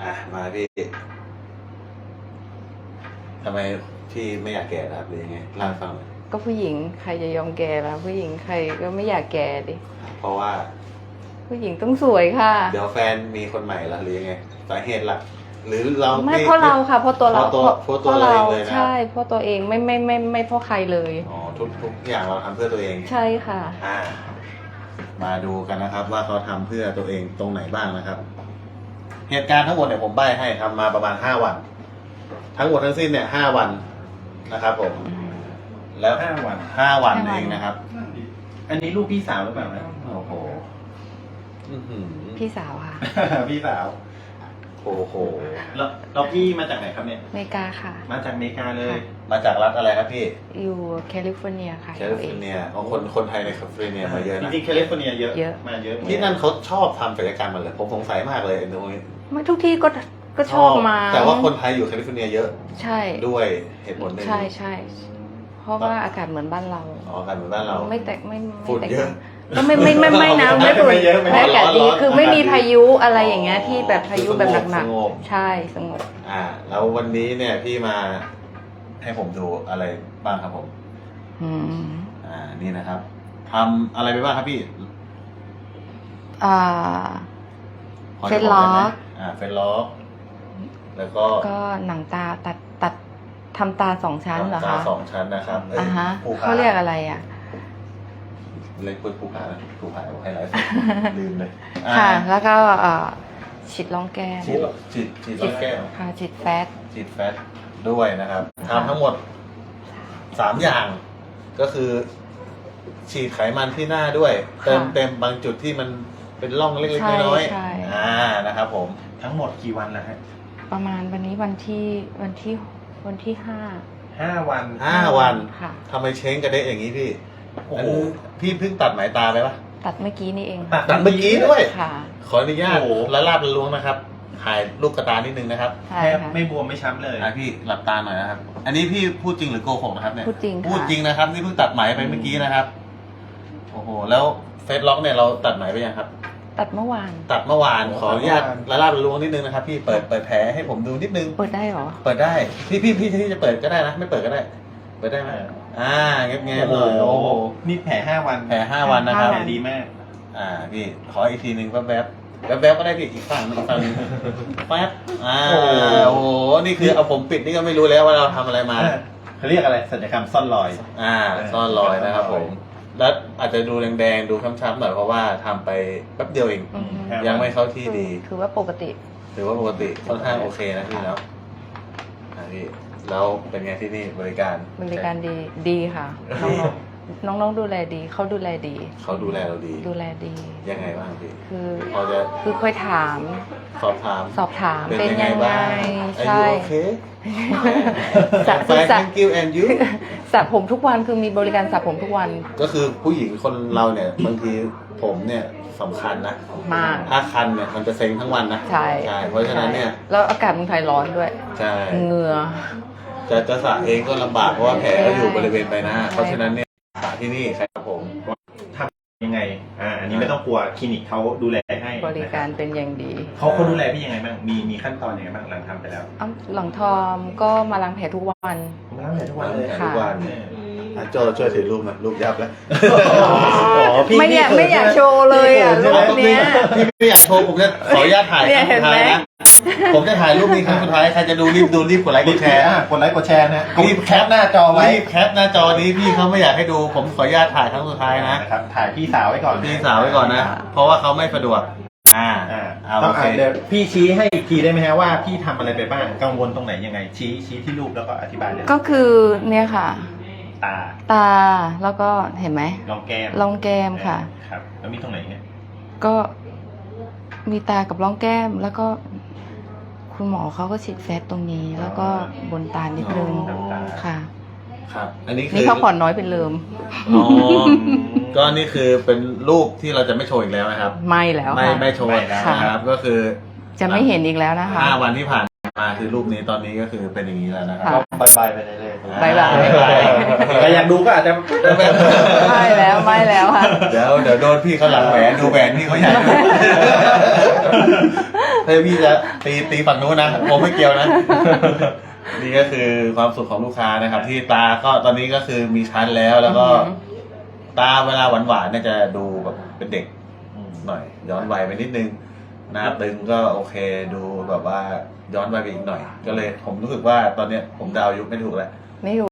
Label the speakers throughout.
Speaker 1: มาพี่ทำไมพี่ไม่อยากแก่ครับหรือยังไงเล่าให้ฟังหน่อย
Speaker 2: ก็ผู้หญิงใครจะยอมแก่ล่ะผู้หญิงใครก็ไม่อยากแก่ดิ
Speaker 1: เพราะว่า
Speaker 2: ผู้หญิงต้องสวยค่ะ
Speaker 1: เดี๋ยวแฟนมีคนใหม่แล้วหรือยังไงสาเหตุหลักหรือเรา
Speaker 2: ไม่เพราะเราค่ะเพราะตัวเรา
Speaker 1: เพราะตัวเราเองเลยนะ
Speaker 2: ใช่เพราะตัวเองไม่เพราะใครเลย
Speaker 1: อ๋อทุกอย่างเราทำเพื่อตัวเอง
Speaker 2: ใช่ค่ะ
Speaker 1: มาดูกันนะครับว่าเขาทำเพื่อตัวเองตรงไหนบ้างนะครับ เหตุการณ์ทั้งหมดเนี่ยผมใบ้ให้ทำมาประมาณ5 วัน ทั้งหมดทั้งสิ้นเนี่ย5 วันนะครับผม แล้ว
Speaker 3: 5 วัน
Speaker 1: 5 วันเองนะครับ
Speaker 3: อันนี้ลูกพี่สาวหรือเปล่านะ
Speaker 1: โอ้โหอื้อหือ
Speaker 2: พี่สาวค่ะ
Speaker 3: พี่สาว
Speaker 1: โอ้โห
Speaker 3: แล้วพี่มาจากไหนครับเนี่ย
Speaker 2: อเมริกาค่ะ
Speaker 3: มาจากอเมริกาเลย
Speaker 1: มาจากรัฐอะไรครับพี่
Speaker 2: อยู่แคลิฟอร์เนียค่ะ
Speaker 1: แคลิฟอร์เนียอ๋อคนไทยในแคลิฟอร์เนียมาเยอะ
Speaker 3: จ
Speaker 1: นะ
Speaker 3: ริงๆแคลิฟอร์เนียเยอะ
Speaker 2: เยอะ
Speaker 3: มาเยอะ
Speaker 1: ที่นั่นเขาชอบทำศัลยกรรมมันเลยผมสงสัยมากเลยไอ้ตรงนี้
Speaker 2: ไม่ทุกที่ก็ชอบมา
Speaker 1: แต่ว่าคนไทยอยู่แคลิฟอร์เนียเยอะ
Speaker 2: ใช่
Speaker 1: ด้วยเหตุผลหนึ่ง
Speaker 2: ใช่เพราะว่าอากาศเหมือนบ้านเรา
Speaker 1: อ๋อกันเหมือนบ้านเรา
Speaker 2: ไม่แตกไม่
Speaker 1: ฝุ่น
Speaker 2: แตก
Speaker 1: เยอะ
Speaker 2: ก็ไม่นะไม่ฝุ่น
Speaker 3: ไม่เยอะไม่
Speaker 2: ไม่
Speaker 3: เย
Speaker 2: อา
Speaker 3: อะ
Speaker 2: กาศดี
Speaker 1: ร้อน
Speaker 2: คือไม่มี
Speaker 1: อากาศดี
Speaker 2: พายุอะไรอย่างเงี้ยที่แบบพายุแบบหนัก
Speaker 1: สงบ
Speaker 2: ๆใช่สงบ
Speaker 1: แล้ววันนี้เนี่ยพี่มาให้ผมดูอะไรบ้างครับผม
Speaker 2: อืม
Speaker 1: นี่นะครับทำอะไรไปบ้างครับพี่
Speaker 2: อ่า
Speaker 1: พอจะ
Speaker 2: เฟซล็อก
Speaker 1: บได้ไหมเฟซล็อกแล้วก็
Speaker 2: ก็หนังตาตัดทำตา2 ชั้นเหรอ
Speaker 1: ตา
Speaker 2: คะ
Speaker 1: 2 ชั้นนะครับ
Speaker 2: อ่าฮะ
Speaker 1: ภูผ
Speaker 2: เขาเรียกอะไรอ่ะ
Speaker 1: เลยพูดภูผานะภูผาให้ไลฟ์ลืมเลย
Speaker 2: ค่ะ แล้วก็ฉีดร่องแก้ม
Speaker 1: ฉีดรอบแก้ว
Speaker 2: ค่ะฉีดแฟต
Speaker 1: ฉีดแฟตด้วยนะครับทำทั้งหมด3 อย่าง ก็คือ ฉีดไขมันที่หน้าด้วย เติมเต็มบางจุดที่มันเป็นร่องเล็กๆน้อย
Speaker 2: ใช่
Speaker 1: ๆนะครับผม
Speaker 3: ทั้งหมดกี่วันแล้วฮะ
Speaker 2: ประมาณวันนี้วันที่5
Speaker 3: 5 วัน
Speaker 1: 5 วัน
Speaker 2: ค่ะ
Speaker 1: ทำไมเช้งกระเดะอย่างนี้พี่
Speaker 3: โอ้
Speaker 1: อัน
Speaker 3: โห
Speaker 1: พี่เพิ่งตัดไหมตาไปปะ
Speaker 2: ตัดเมื่อกี้นี่เอง
Speaker 1: ตัดเมื่อกี้ด้วย
Speaker 2: ค่ะ
Speaker 1: ขออนุญาต
Speaker 3: โอ้โห
Speaker 1: ละลาบละล้วงนะครับถ่ายลูกกระตานิดนึงนะครับ
Speaker 2: ใช่
Speaker 3: แทบ
Speaker 2: ค่ะ
Speaker 3: ไม่บวมไม่ช้ำเลย
Speaker 1: พี่หลับตาหน่อยนะครับ อันนี้พี่พูดจริงหรือโกหกนะครับเนี่ย
Speaker 2: พูดจริงค่ะ
Speaker 1: พูดจริงนะครับนี่เพิ่งตัดไหมไปเมื่อกี้นะครับโอ้โหแล้วเฟซล็อกเนี่ยเราตัดไหมไปยังครับ
Speaker 2: ตัดเมื่อวาน
Speaker 1: ตัดเมื่อวานขออนุญาตละลาบละล้วงนิดนึงนะครับพี่เปิดแผลให้ผมดูนิดนึง
Speaker 2: เปิดได้เหรอ
Speaker 1: เปิดได้พี่จะเปิดก็ได้นะไม่เปิดก็ได้ เปิดได้ไหมเงียบๆหน่อยโอ้โห
Speaker 3: นี่แผล5 วัน
Speaker 1: แผล5 วันนะครับ
Speaker 3: แผลดีมาก
Speaker 1: พี่ขออีกทีหนึ่งแป๊บๆก็ได้พี่อีกฝั่งหนึงแป๊บโอ้โหนี่คือเอาผมปิดนี่ก็ไม่รู้แล้วว่าเราทำอะไรมา
Speaker 3: เขาเรียกอะไรศัลยกรรมซ่อนรอย
Speaker 1: ซ่อนรอยนะครับผม แล้วอาจจะดูแดงๆดูช้ำๆหน่อยเพราะว่าทำไปแป๊บเดียวเอง
Speaker 2: อืม
Speaker 3: ครับ
Speaker 1: ยังไม่เข้าที่ดี
Speaker 2: คือว่าปกติ
Speaker 1: หรือว่าปกติค่อนข้างโอเคนะพี่เนาะพี่แล้วเป็นไงที่นี่บริการ
Speaker 2: บริการดีค่ะ น้องดูแลดีเขาดูแลดี
Speaker 1: เขาดูแลเราดี
Speaker 2: ดูแลดี
Speaker 1: ยังไงบ้างพี่
Speaker 2: คือ
Speaker 1: พอจะ
Speaker 2: คือเคยถาม
Speaker 1: สอบถาม
Speaker 2: เป็นยังไง
Speaker 1: บ้าง
Speaker 2: ใช่
Speaker 1: Are you okay
Speaker 2: สระ
Speaker 1: Fine
Speaker 2: สระ
Speaker 1: thank you and you
Speaker 2: สระผมทุกวันคือมีบริการสระผมทุกวัน
Speaker 1: ก็คือผู้หญิงคนเราเนี่ยบางทีผมเนี่ยสำคัญนะ
Speaker 2: มาก
Speaker 1: ถ้าคันเนี่ยมันจะเซ็งทั้งวันนะ
Speaker 2: ใช่
Speaker 1: เพราะฉะนั้นเนี่ย
Speaker 2: แล้วอากาศเมืองไทยร้อนด้วย
Speaker 1: ใช่
Speaker 2: เหงื่อ
Speaker 1: จะสระเองก็ลำบากเพราะว่าแผลก็อยู่บริเวณใบหน้า
Speaker 2: ใช่
Speaker 1: เพราะฉะนั้นเนี่ยสระที่นี่ครับผม
Speaker 3: ทำยังไงอันนี้ไม่ต้องกลัวคลินิกเขาดูแลให้
Speaker 2: บริการเป็นอย่างดี
Speaker 3: เขาดูแลพี่ยังไงบ้างมีขั้นตอนยังไงบ้างหลังทำไปแล้ว
Speaker 2: หลังทอมก็มาล้างแผลทุกวัน
Speaker 3: ผมล้างแผลทุกวันเลย
Speaker 1: ทุกวัน โจช่วยถือรูปหน่อยรูปยับแล้ว
Speaker 2: ไม่อยากโชว์เลยอ่ะรูปเนี้ย
Speaker 1: พี่ไม่อยากโชว์ผมจะขออนุญาตถ่ายค
Speaker 2: เนี่
Speaker 1: รั้
Speaker 2: ย
Speaker 1: งสุดท้าย
Speaker 2: เห็นไหม
Speaker 1: นะผมจะถ่ายรูปนี้ครั้งสุดท้ายใครจะดูรีบกดไลค์กดแชร์
Speaker 3: กดไลค์กดแชร์นะ
Speaker 1: รีบแคปหน้าจอไว้รีบแคปหน้าจอนี้พี่เขาไม่อยากให้ดูผมขออนุญาตถ่ายครั้งสุดท้ายนะ
Speaker 3: นะครับถ่ายพี่สาวไว้ก่อน
Speaker 1: พี่สาวไว้ก่อนนะ เพราะว่าเขาไม่สะดวกโอเค
Speaker 3: เดี๋ยวพี่ชี้ให้อีกทีได้ไหมฮะว่าพี่ทำอะไรไปบ้างกังวลตรงไหนยังไงชี้ที่รูปแล้วก็อธิบายเลย
Speaker 2: ก็คือเนี่ยค่ะ
Speaker 3: ตา
Speaker 2: ตาแล้วก็เห็นไหม
Speaker 3: รองแก้ม
Speaker 2: ร่องแก้มค่ะ
Speaker 3: ครับแล้วมีตรงไหนเนี่ย
Speaker 2: ก็มีตากับร่องแก้ม แล้วก็คุณหมอเขาก็ฉีดแฟตตรงนี้ แล้วก็บนตานิดนึงค่ะ
Speaker 1: ครับ อันนี้คือ
Speaker 2: นี่เขาผ่อนน้อยเป็นเลิม
Speaker 1: อ๋อก็นี่คือเป็นรูปที่เราจะไม่โชว์อีกแล้วนะครับ
Speaker 2: ไม่แล้วค่ะ
Speaker 1: ไม่โชว์แล้วนะครับ ก็คือ
Speaker 2: จะไม่เห็นอีกแล้วนะคะ
Speaker 1: 5 วันที่ผ่านมาคือรูปนี้ตอนนี้ก็คือเป็นอย่างนี้แล้วนะครั
Speaker 2: ค่ะ
Speaker 1: บ
Speaker 3: บายไปเรื่อยๆ
Speaker 2: บ๊ายบาย
Speaker 3: ใครอยากดูก็อาจจะ
Speaker 2: ไม่แล้วค่ะ
Speaker 1: เดี๋ยวโดนพี่เขาหลังแหวนดูแหวนพี่เขาใหญ่ด้วยถ้าพี่จะตีฝั่งนู้นนะผมไม่เกี่ยวนะ นี่ก็คือความสุขของลูกค้านะครับ ที่ตาก็ตอนนี้ก็คือมีชั้นแล้วก็ ตาเวลาหวานๆเนี่ยจะดูแบบเป็นเด็กหน่อย ย้อนวัยไปนิดนึงหน้าตึงก็โอเคดูแบบว่าย้อนวัยไปอีกหน่อย ก็เลยผมรู้สึกว่าตอนเนี้ยผมเดาอายุไม่ถูกแล้ว
Speaker 2: ไม่อยู่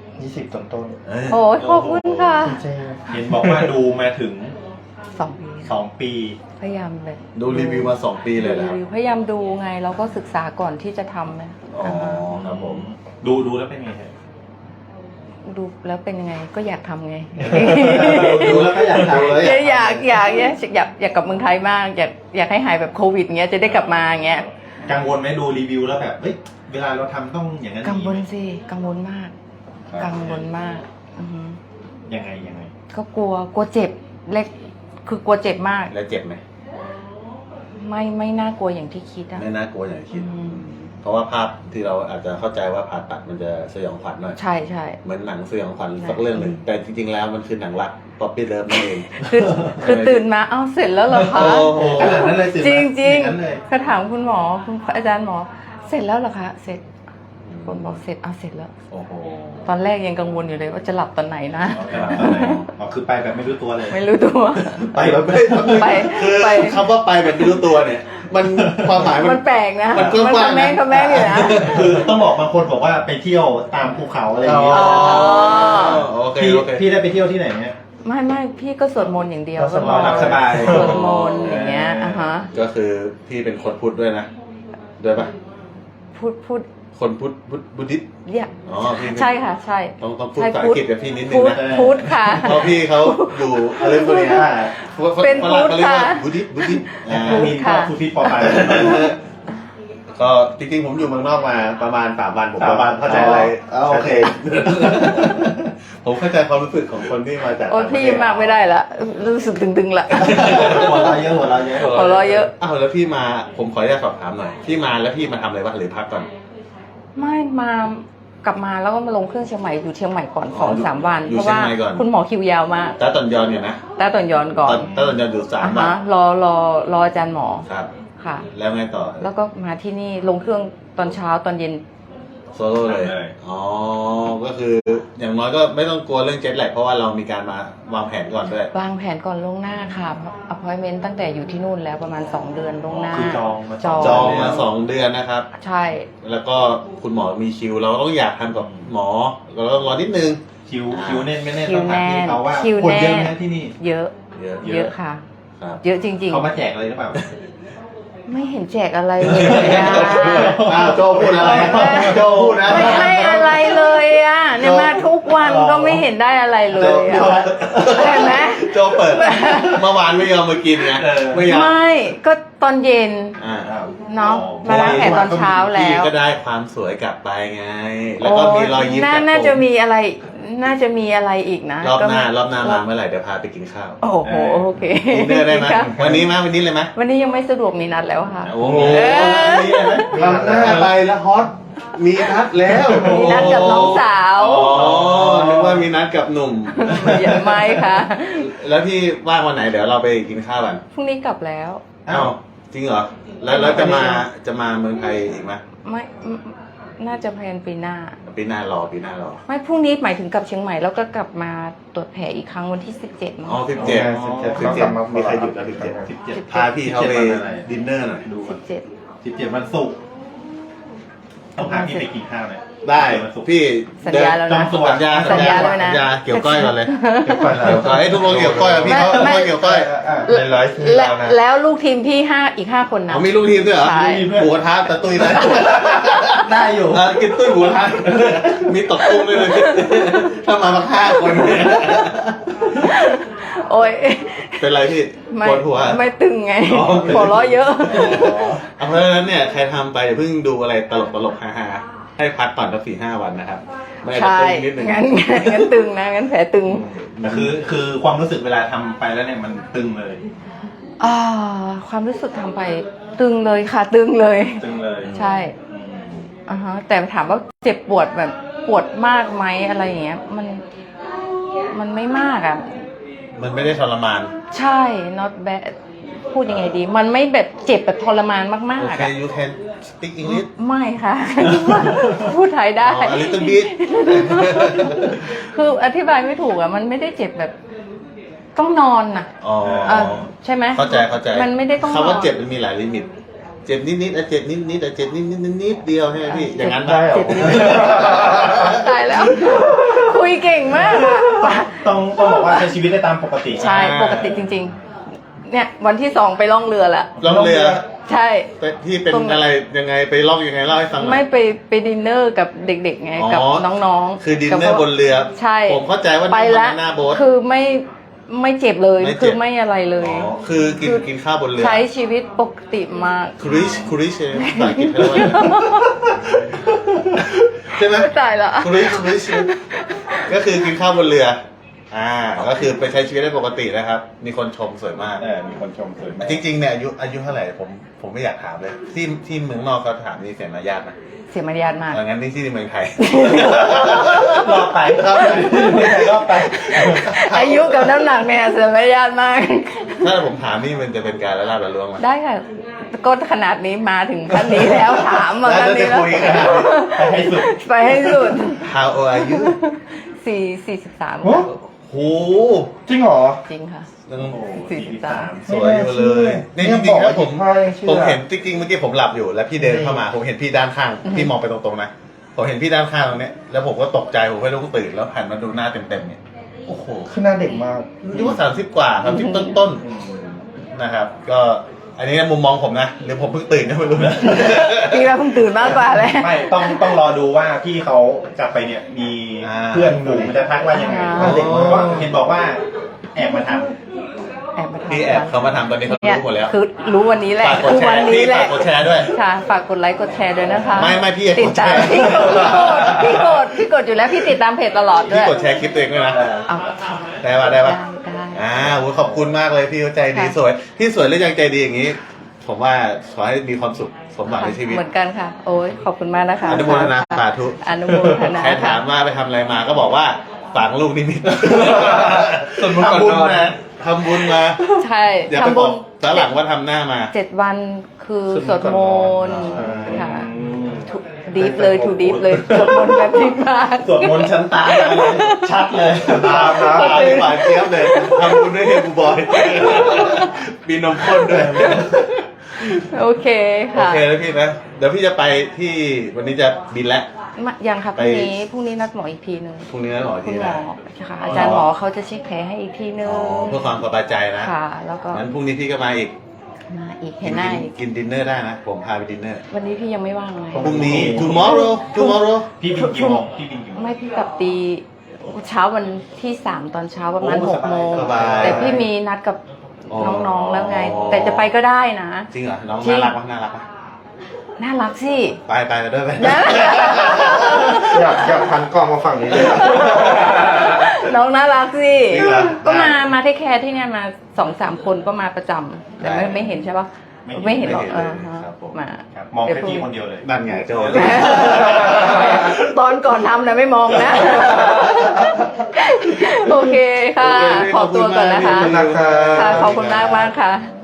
Speaker 3: 20 ต้น
Speaker 1: เอ้ย
Speaker 2: โอ้ยขอบคุณค่ะ
Speaker 3: ๆเห็นบอกว่าดูมาถึง
Speaker 2: 2 ปี
Speaker 3: 2 ปี
Speaker 2: พยายามเลย
Speaker 1: ดูรีวิวมา2 ปีเลยนะครับ
Speaker 2: รีวิวพยายามดูไงแล้วก็ศึกษาก่อนที่จะทำนะ
Speaker 1: อ๋อครับผม
Speaker 3: ดูแล้วเป็นไงฮะ
Speaker 2: ดูแล้วเป็นยังไงก็อยากทำไง
Speaker 3: ดูแล้วก็อยากทำเลย
Speaker 2: อยากกลับเมืองไทยมากอยากให้หายแบบโควิดเงี้ยจะได้กลับมาเงี้ย
Speaker 3: กังวลไหมดูรีวิวแล้วแบบเฮ้ยเวลาเราทำต้องอย่างนั้น
Speaker 2: กังวล
Speaker 3: อย่างนี้
Speaker 2: สิกังวลมาก กังวลมากอือฮึ
Speaker 3: ยังไง
Speaker 2: ก็กลัวเจ็บเล็กคือกลัวเจ็บมาก
Speaker 1: แล้วเจ็บไหม
Speaker 2: ไม่น่ากลัวอย่างที่คิดอะ
Speaker 1: ไม่น่ากลัวอย่างที่คิด
Speaker 2: อืม
Speaker 1: เพราะว่าภาพที่เราอาจจะเข้าใจว่าผ่าตัดมันจะสยองขวัญหน่อย
Speaker 2: ใช่
Speaker 1: เหมือนหนังสยองขวัญสักเรื่องหนึ่งแต่จริงๆแล้วมันคือหนังรักป๊อปปี้เลิฟนั่นเอง
Speaker 2: คือตื่นมาเอ้าเสร็จแล้วเหรอคะ
Speaker 1: โอ้โห
Speaker 3: ขนาดนั้นเลยสิ
Speaker 2: จริง
Speaker 3: อย่างนั้นเลย
Speaker 2: ก็ถามคุณหมอคุณอาจารย์หมอ เสร็จแล้วเหรอคะเสร็จคนบอกเสร็จเอาเสร็จแล้ว
Speaker 1: โอ้โห
Speaker 2: ตอนแรกยังกังวลอยู่เลยว่าจะหลับตอนไหนนะ
Speaker 3: อ๋อคือไปแบบไม่รู้ตัวเลย
Speaker 2: ไม่รู้ตัว
Speaker 1: ไปแบบไม่
Speaker 2: ไป
Speaker 1: คือ
Speaker 2: ไป
Speaker 1: คำว่าไปแบบไม่รู้ตัวเนี่ย มันความหมาย
Speaker 2: มันแปลกนะ
Speaker 1: มันกว้างๆนะ
Speaker 2: คำแม่อยู่นะ
Speaker 3: คือต้องบอกบางคนบอกว่าไปเที่ยวตามภูเขาอะไรอย่างเงี้ย
Speaker 2: อ๋อ
Speaker 1: โอเค
Speaker 3: พี่
Speaker 1: โอเค
Speaker 3: พี่ได้ไปเที่ยวที่ไหนเนี่ย
Speaker 2: ไม่พี่ก็สวดมนต์อย่างเดียว
Speaker 3: ก็สวดมนต์หลับสบาย
Speaker 2: สวดมนต์อย่างเงี้ยอ่ะฮะ
Speaker 1: ก็คือพี่เป็นคนพุทธด้วยนะด้วยปะ
Speaker 2: พูด
Speaker 1: คนพุทธบุดิษ
Speaker 2: เนี่ย
Speaker 1: อ๋อพี่
Speaker 2: ใช่ค่ะ ใช่
Speaker 1: ต้องพูด
Speaker 2: ใช่
Speaker 1: ภาษาอังกฤษกับพี่นิดนึง
Speaker 2: พุทธ
Speaker 1: นะ
Speaker 2: พุทธค่ะ
Speaker 1: เพราะพี่เขาอยู่อะไรพวกเนี้ย
Speaker 2: เป็นพุทธ
Speaker 1: เขาเรียกว่า
Speaker 2: ค่ะ
Speaker 1: บุดิษ
Speaker 2: พุทธ
Speaker 3: มี
Speaker 2: ค่ะ
Speaker 3: ก็คุณพี่ปอไป
Speaker 1: ก็จริงๆผมอยู่เมืองนอกมาประมาณ3 วันผม
Speaker 3: 3 วัน
Speaker 1: เข้าใจอะไร
Speaker 3: อ๋อโอเค
Speaker 1: ผมเข้าใจความรู้สึกของคนที่มาจาก
Speaker 2: โอ้ยพี่มากไม่ได้ละรู้สึกตึงๆละ
Speaker 3: หัวเราะเยอะ
Speaker 2: หัวเราะเยอะ
Speaker 1: อ้าวแล้วพี่มาผมขออนุญาตสอบถามหน่อยพี่มาแล้วพี่มาทำอะไรบ้างหรือพักก่อน
Speaker 2: ไม่มากลับมาแล้วก็มาลงเครื่องเชียงใหม่อยู่เชียงใหม่ก่อน
Speaker 1: อ๋อ
Speaker 2: 2-3 วัน
Speaker 1: อยู่
Speaker 2: เพราะว่า
Speaker 1: เชียงใหม่ก่อน
Speaker 2: คุณหมอคิวยาวมาก
Speaker 1: ตาตอนยอนเนี่ยนะ
Speaker 2: แต่ตอนย้อนก่อน
Speaker 1: ตาตอนยอนอยู่3 วัน
Speaker 2: ฮะรออาจารย์หมอ
Speaker 1: ครับ
Speaker 2: ค่ะ
Speaker 1: แล้วไงต่อ
Speaker 2: แล้วก็มาที่นี่ลงเครื่องตอนเช้าตอนเย็น
Speaker 1: โซโล่เลยอ๋อก็คืออย่างน้อยก็ไม่ต้องกลัวเรื่องเจ็ตแลกเพราะว่าเรามีการมาวางแผนก่อนด้วย
Speaker 2: วางแผนก่อนล่วงหน้าค่ะappointment ตั้งแต่อยู่ที่นู่นแล้วประมาณ2 เดือนล่วงหน้า
Speaker 3: คือจองมา
Speaker 1: จองมา2 เดือนนะครับ
Speaker 2: ใช่
Speaker 1: แล้วก็คุณหมอมีคิว เราต้องอยากทำกับหมอเราต้องรอนิดนึง
Speaker 3: คิวแน่นไม่แน่น
Speaker 2: คิ
Speaker 3: ต้
Speaker 2: ว
Speaker 3: องถาม
Speaker 2: แน่
Speaker 3: พี่
Speaker 2: น
Speaker 3: เขาว่า
Speaker 2: คิว
Speaker 3: คนเยอะ
Speaker 2: แน่
Speaker 3: ไหมที่นี่
Speaker 2: เยอะ
Speaker 1: เยอะ
Speaker 2: เยอะค่ะ
Speaker 1: ครับ
Speaker 2: เยอะจริง
Speaker 3: เขามาแจกอะไรหรือเปล่า
Speaker 2: ๆ ไม่เห็นแจกอะไรเลยอะ
Speaker 1: อ้าวโจพูดอะไรโจพูดนะ
Speaker 2: ไม่ให้อะไรเลยอ่ะเนี่ยมาทุกวันก็ไม่เห็นได้อะไรเลยอ่ะเห็นไหม
Speaker 1: โจเปิดเมื่อวานไม่ยอมมากินไงไม่อยาก
Speaker 2: ไม่ก็ตอนเย็น
Speaker 1: อ่า
Speaker 2: เนาะมาล้างแผลตอนเช้าแล้
Speaker 1: พี่
Speaker 2: ว
Speaker 1: ก็ได้ความสวยกลับไปไง แล้วก็มีรอยยิ้ม
Speaker 2: น่าจะมีอะไร น่าจะมีอะไรอีกนะ
Speaker 1: รอบหน้ามาเมื่อไหร่เดี๋ยวพาไปกินข้าว
Speaker 2: โอ้โหโอเค
Speaker 1: ดินเนอร์ได้ไหมวันนี้เลยไหม
Speaker 2: วันนี้ยังไม่สะดวกมีนัดแล้วค่ะ
Speaker 1: โอ้โหวันนี้เลยไหมทำหน้าไปแล้วฮอตมีนัดแล้ว
Speaker 2: มีนัดกับน้องสาว
Speaker 1: อ๋อนึกว่ามีนัดกับหนุ่ม
Speaker 2: ไม่ค่ะ
Speaker 1: แล้วพี่ว่างวันไหนเดี๋ยวเราไปกินข้าวกัน
Speaker 2: พรุ่งนี้กลับแล้ว
Speaker 1: อ้าวจริงเหรอแล้วจะมาเมืองไทยอีกไหม
Speaker 2: ไม่น่าจะแพลนปีหน้า
Speaker 1: ปีหน้ารอ
Speaker 2: ไม่พรุ่งนี้หมายถึงกลับเชียงใหม่แล้วก็กลับมาตรวจแผลอีกครั้งวันที่17มั้ง
Speaker 1: อ๋อ17มีใครหยุดแล้ว17พาพี่เขาไปดินเนอร์หน่อย
Speaker 3: ดูก่อน
Speaker 2: 17
Speaker 3: 17วันศุกร์ต้องพาพี่ไปกินข้าวเลย
Speaker 1: ได้พี่
Speaker 2: สัญญาแล้วนะ
Speaker 1: สัญญา
Speaker 2: สัญญาแล้วนะ
Speaker 1: สัญญาเกี่ยวก้อยก่อนเลย
Speaker 3: เกี่ยวก้อย
Speaker 1: เกี่ยวก้อยให้ทุกคนเกี่ยวก้อยพี่เขา
Speaker 2: ไม่
Speaker 1: เกี่ยวก้อย
Speaker 3: เป็นร้อยชื่อเรานะ
Speaker 2: แล้วลูกทีมพี่อีก 5 คนนะ
Speaker 1: เขามีลูกทีมด้วยเหรอ
Speaker 2: ใช่
Speaker 1: หมูกระทะตะตุ้ยนะ
Speaker 3: ได้อยู่
Speaker 1: กินตุ้ยหมูกระทะมีตกตุ้มด้วยเลยถ้ามา5 คน
Speaker 2: โอ้ย
Speaker 1: เป็นไรพี่
Speaker 2: ไม่
Speaker 1: ปวดหัว
Speaker 2: ไม่ตึงไง
Speaker 1: อ๋อ
Speaker 2: หัวเราะเยอะ
Speaker 1: เอาเพราะฉะนั้นเนี่ยใครทำไปอย่าเพิ่งดูอะไรตลกฮาๆให้พักก่อนสัก4-5 วันนะครับไม่อาจจะ
Speaker 2: ใช่
Speaker 1: ตึงนิดนึง
Speaker 2: งั้นตึงนะงั้นแผลตึง
Speaker 3: คือความรู้สึกเวลาทำไปแล้วเนี่ยมันตึงเลย
Speaker 2: ความรู้สึกทำไปตึงเลยค่ะตึงเลย
Speaker 3: ตึงเลย
Speaker 2: ใช่
Speaker 3: อืม
Speaker 2: ฮะแต่ถามว่าเจ็บปวดแบบปวดมากไหมอะไรอย่างเงี้ยมันไม่มากอ่ะ
Speaker 1: มันไม่ได้ทรมาน
Speaker 2: ใช่ not bad พูดยังไงดี มันไม่แบบเจ็บแบบทรมานมาก
Speaker 1: โอ
Speaker 2: ๆ
Speaker 1: เค
Speaker 2: อะ
Speaker 1: you can speak English
Speaker 2: ไม่ค่ะ พูดไทยได้
Speaker 1: อ๋อ a little bit
Speaker 2: คืออธิบายไม่ถูกอ่ะ มันไม่ได้เจ็บแบบต้องนอนน่ะ
Speaker 1: อ๋อ
Speaker 2: ใช่ไหม
Speaker 1: เข้าใจ
Speaker 2: มันไม่ได้ต้องนอน
Speaker 1: คำว่าเจ็บมันมีหลายลิมิต เจ็บนิดๆเจ็บนิดๆเจ็บนิดเดียวใช่ไหมพี่ อย่างนั้น
Speaker 3: ได้เหรอ
Speaker 2: เจ็บนิดตายแล้ว คุยเก่งมากอ่ะ
Speaker 3: ต้องบอกว่าใช้ชีวิตได้ตามปกติ
Speaker 2: ใช่ ปกติจริง ๆ เนี่ย วันที่2ไปล่องเรือละ
Speaker 1: ล่องเรือ
Speaker 2: ใช่
Speaker 1: พี่เป็น
Speaker 2: ตรง
Speaker 1: อะไรยังไงไปล่องยังไงเล่าให้ฟังหน่อย
Speaker 2: ไม่ไปดินเนอร์กับเด็กๆไง
Speaker 1: อ๋อ
Speaker 2: กับน้องๆ
Speaker 1: คือดินเนอร์บนเรือ
Speaker 2: ใช่
Speaker 1: ผมเข้าใจว่า
Speaker 2: ไป
Speaker 1: นั่ง
Speaker 2: แล้ว
Speaker 1: หน้าโบ๊ท
Speaker 2: คือไม่เจ็บเลย
Speaker 1: ไม่เจ็บ
Speaker 2: คือไม่อะไรเลย
Speaker 1: อ๋อคือกินข้าวบนเรือ
Speaker 2: ใช้ชีวิตปกติมาก
Speaker 1: ครูริชภาษาอังกฤษเขาเรียกว่าอะไรใช่ไหม
Speaker 2: ตายละ
Speaker 1: ครูริชก็คือกินข้าวบนเรือ ก็คือไปใช้ชีวิตได้ปกตินะครับ มีคนชมสวยมาก
Speaker 3: มีคนชมสวยมาก
Speaker 1: จริงๆเนี่ยอายุเท่าไหร่ผมไม่อยากถามเลย ที่เมืองนอกเขาถามนี่เสียมารยาทนะ
Speaker 2: เสียมารยาทมาก
Speaker 1: งั้นนี่ที่เมืองไทย
Speaker 3: รอบไปรอบไป
Speaker 2: อายุกับน้ำหนักเนี่ยเสียมารยาทมาก
Speaker 1: ถ้าผมถามนี่มันจะเป็นการละลาบละล้วงไหม
Speaker 2: ได้ค่ะก็ขนาดนี้มาถึงขั้นนี้แล้วถามมาขั้นนี้แล้ว
Speaker 1: แล้วจะคุยกัน
Speaker 3: ไปให้สุด
Speaker 2: ไปให้สุด
Speaker 1: How old are you
Speaker 2: 43
Speaker 3: โอ้
Speaker 1: โห
Speaker 3: จริงเหรอ
Speaker 2: จริงค่ะ
Speaker 1: ยัง
Speaker 2: 43
Speaker 1: สวยอยู่เลยนี่จริงๆนะผม
Speaker 3: เชื่อ
Speaker 1: ผมเห็นจริงๆเมื่อกี้ผมหลับอยู่แล้วพี่เดินเข้ามา ผมเห็นพี่ด้านข้าง พี่มองไปตรงๆนะผมเห็นพี่ด้านข้างตรงเนี้ยแล้วผมก็ตกใจผมไม่รู้ตื่นแล้วหันมาดูหน้าเต็มๆเนี่ยโอ้โห
Speaker 4: คือหน้าเด็กมาก
Speaker 1: อายุ30 กว่า30ต้นๆนะครับ ก็อันนี้มุมมองผมนะหรือผมเพิ่งตื่นก็ไม่รู้นะ
Speaker 2: พี่ว่าเพิ่งตื่นมากกว่าเลย
Speaker 3: ไม่ต้องรอดูว่าพี่เขากลับไปเนี่ยมีเพื่อนหมู่มันจะทักว่ายังไง
Speaker 2: อ่า
Speaker 3: เด็กมันก็เห็นบอกว่าแอบมาท
Speaker 2: แอบมาทำ
Speaker 1: พี่แอบเขามาทำตอนนี้เขา
Speaker 2: เนี่ย
Speaker 1: รู้หมดแล้ว
Speaker 2: คือรู้วันนี้แหละ
Speaker 1: ฝากกด
Speaker 2: คือ
Speaker 1: แช
Speaker 2: วัน
Speaker 1: ร์
Speaker 2: นี้
Speaker 1: พี่
Speaker 2: แห
Speaker 1: ฝา
Speaker 2: ละ
Speaker 1: กกดแชร์ด้วย
Speaker 2: ค่ะฝากกดไลค์กดแชร์ด้วยนะคะ
Speaker 1: ไม่พี่
Speaker 2: ติดตาม
Speaker 1: กดแชร์
Speaker 2: พี่กดอยู่แล้วพี่ติดตามเพจตลอดด้
Speaker 1: พี่
Speaker 2: วย
Speaker 1: กดแชร์คลิปตัวเองด้วยนะ
Speaker 2: เอา
Speaker 1: ได้ปะได้ปะ
Speaker 2: ได้
Speaker 1: โหขอบคุณมากเลยพี่เขาใจดี
Speaker 2: ค่ะ
Speaker 1: สวยพี่สวยแล้วยังใจดีอย่างนี้ ผมว่าขอให้มีความสุขสมหวังในชีวิต
Speaker 2: เหมือนกันค่ะ โอ้ยขอบคุณมากนะคะ
Speaker 1: อนุโมทนาสาธุ
Speaker 2: อนุโมทนา
Speaker 1: ใครถามว่าไปทำอะไรมาก็บอกว่าฝังลูกนิมิต
Speaker 3: ส่วนบุญก่อน
Speaker 1: ทำบุญ
Speaker 3: นอน
Speaker 1: มาทำบุญมา
Speaker 2: ใช่
Speaker 1: อย่าไป
Speaker 2: ทำ
Speaker 1: บ
Speaker 2: บุ
Speaker 1: อก
Speaker 2: ญ
Speaker 1: ตอนหลังว่าทำหน้ามา
Speaker 2: 7 วันคือสวดมนต์
Speaker 1: สวดมนต์
Speaker 2: ค่ะดีฟเลยถูดีฟเลยสวดมนต์แบบดีมาก
Speaker 3: ำสวดมนต์ชั้นตามมาเลยชัดเลย
Speaker 1: ตามนะตามที่หวานเจี๊ยบเลยทำบุญด้วยเฮบูบอยมีนมข้นด้วย
Speaker 2: โอเค
Speaker 1: โอ
Speaker 2: ค่ะ
Speaker 1: เคแล้วพี่นะ เดี๋ยวพี่จะไปที่วันนี้จะบินแล้ว
Speaker 2: ยังค่ะพ
Speaker 1: ไป
Speaker 2: รุ่งนี้นัดหมออีกทีนึง
Speaker 1: พรุ่งนี้นะหมอ
Speaker 2: คุ
Speaker 1: ที
Speaker 2: ณหม
Speaker 1: นะ
Speaker 2: อค่ะอาจารย์หมอเขาจะเช็คแผลให้อีกทีนึง
Speaker 1: เพื่อความสบายใจนะ
Speaker 2: ค่ะ แล้วก็
Speaker 1: งั้นพรุ่งนี้พี่ก็มาอีก
Speaker 2: มาอีกเห็นหน้าอีก
Speaker 1: กินดินเนอร์ได้นะ ผมพาไปดินเนอร์
Speaker 2: วันนี้พี่ยังไม่ว่างเลย
Speaker 1: พรุ่งนี้ tomorrow
Speaker 3: พี่บินกี่โมงพี่บินกี่โมง
Speaker 2: ไม่พี่กลับตีเช้าวันที่3ตอนเช้าประมาณ
Speaker 3: โอ้
Speaker 2: 6 โมง
Speaker 1: สบาย
Speaker 2: แต่พี่มีนัดกับ
Speaker 1: อ๋อ
Speaker 2: น้องๆแล้วไง แต่จะไปก็ได้นะ
Speaker 1: จริงเหรอ น้อง
Speaker 2: จริง
Speaker 1: น่ารักปะน่ารักปะ
Speaker 2: น่ารักสิ
Speaker 1: ไปด้วยไป
Speaker 2: นะ
Speaker 4: อยากพันกล้องมาฝั่งนี้เลย
Speaker 2: น้องน่ารักสิ
Speaker 1: จริงเหรอ
Speaker 2: ก็มาเทคแคร์ที่เนี่ยมา2-3 คนก็มาประจำแต่
Speaker 1: ได้
Speaker 2: ไม่เห็นใช่ปะไม่เห็นหรอก
Speaker 1: ไม่เห็น
Speaker 2: ฮะ
Speaker 1: ครับผม
Speaker 2: มา
Speaker 3: ครับมองแค่พี่คนเดียวเลย
Speaker 1: นั่นไงโจ
Speaker 2: ตอนก่อนทำนะไม่มองนะ โอเคค่ะ
Speaker 1: โอเค
Speaker 2: ขอตัวก่อนนะคะ
Speaker 1: ขอบคุณมาก
Speaker 2: ค่ะขอบคุณมากค่ะ